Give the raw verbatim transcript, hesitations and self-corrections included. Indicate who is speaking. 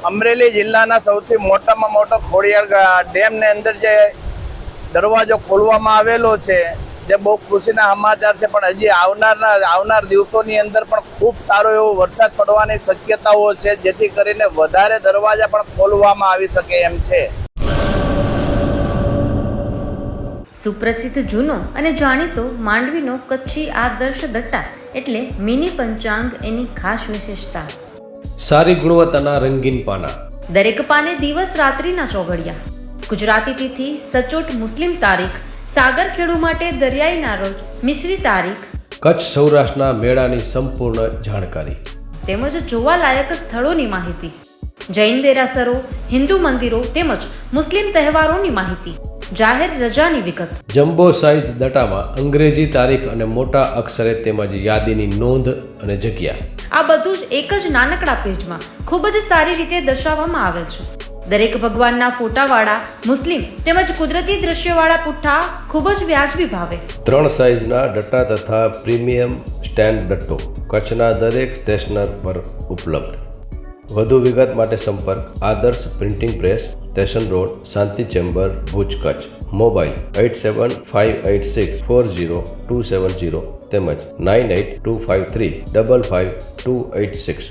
Speaker 1: અમરેલી જિલ્લાના સૌથી મોટામાં મોટો ખોડિયાર ડેમને અંદર જે દરવાજો ખોલવામાં આવેલો છે, જે બહુ ખુશીના સમાચાર છે. પણ હજી આવનારના આવનાર દિવસોની અંદર પણ ખૂબ સારો એવો વરસાદ પડવાની શક્યતાઓ છે, જેથી કરીને વધારે દરવાજા પણ ખોલવામાં આવી શકે એમ છે.
Speaker 2: સુપ્રસિદ્ધ જૂનો અને જાણીતો માંડવીનો કચ્છી આદર્શ દટ્ટા એટલે મિની પંચાંગ એની ખાસ વિશેષતા.
Speaker 3: સારી ગુણવત્તાના રંગીન પાના,
Speaker 2: દરેક પાને દિવસ રાત્રિના ચોઘડિયા, ગુજરાતી તિથિ સચોટ મુસ્લિમ તારીખ, સાગરખેડુ માટે દરિયાઈના રોજ મિશ્રી તારીખ,
Speaker 3: કચ્છ સૌરાષ્ટ્રના મેળાની સંપૂર્ણ જાણકારી
Speaker 2: તેમજ જોવાલાયક સ્થળોની માહિતી, જૈન દેરાસરો, હિન્દુ મંદિરો તેમજ મુસ્લિમ તહેવારોની માહિતી, જાહેર રજાની વિગત.
Speaker 3: જમ્બો સાઇઝ દટામાં અંગ્રેજી તારીખ અને મોટા અક્ષરે તેમજ યાદીની નોંધ અને જગ્યા,
Speaker 2: આ બધું જ એક જ નાનકડા પેજમાં ખૂબ જ સારી રીતે દર્શાવવામાં આવેલ છે. દરેક ભગવાનના ફોટાવાળા મુસ્લિમ તેમજ કુદરતી દ્રશ્યવાળા પુઠ્ઠા ખૂબ જ વ્યાજબી ભાવે.
Speaker 3: ત્રણ સાઇઝના દટ્ટા તથા પ્રીમિયમ સ્ટેન્ડ દટ્ટો કચ્છના દરેક સ્ટેશનર પર ઉપલબ્ધ. વધુ વિગત માટે સંપર્ક Adarsh printing press, station road, Shanti chamber, Bhuj, Kutch. Mobile eight seven five eight six four zero two seven zero તેમજ nine eight two five three double five two eight six.